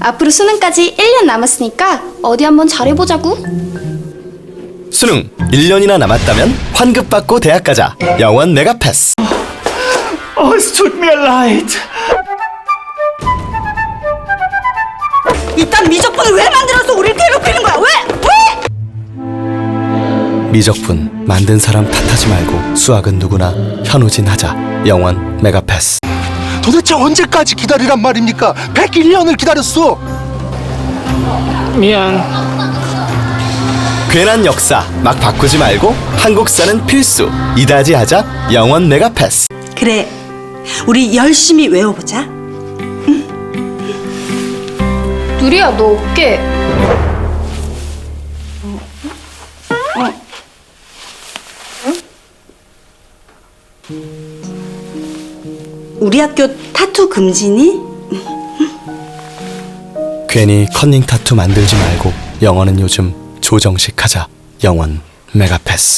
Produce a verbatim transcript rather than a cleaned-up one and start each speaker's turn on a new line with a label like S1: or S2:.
S1: 앞으로 수능까지 일 년 남았으니까 어디 한번 잘해보자고.
S2: 수능 일 년이나 남았다면 환급받고 대학 가자. 영원 메가패스.
S3: Oh, es tut mir leid.
S4: 이딴 미적분을 왜 만들어서 우리를 괴롭히는 거야? 왜? 왜?
S2: 미적분 만든 사람 탓하지 말고 수학은 누구나 현우진 하자. 영원 메가패스.
S5: 도대체 언제까지 기다리란 말입니까? 백일 년을 기다렸어.
S3: 미안.
S2: 괜한 역사 막 바꾸지 말고 한국사는 필수. 이다지 하자. 영원 메가패스.
S4: 그래, 우리 열심히 외워보자.
S1: 누리야, 너 어깨.
S4: 우리 학교 타투 금지니?
S2: 괜히 컨닝 타투 만들지 말고 영원은 요즘 조정식 하자. 영원 메가패스.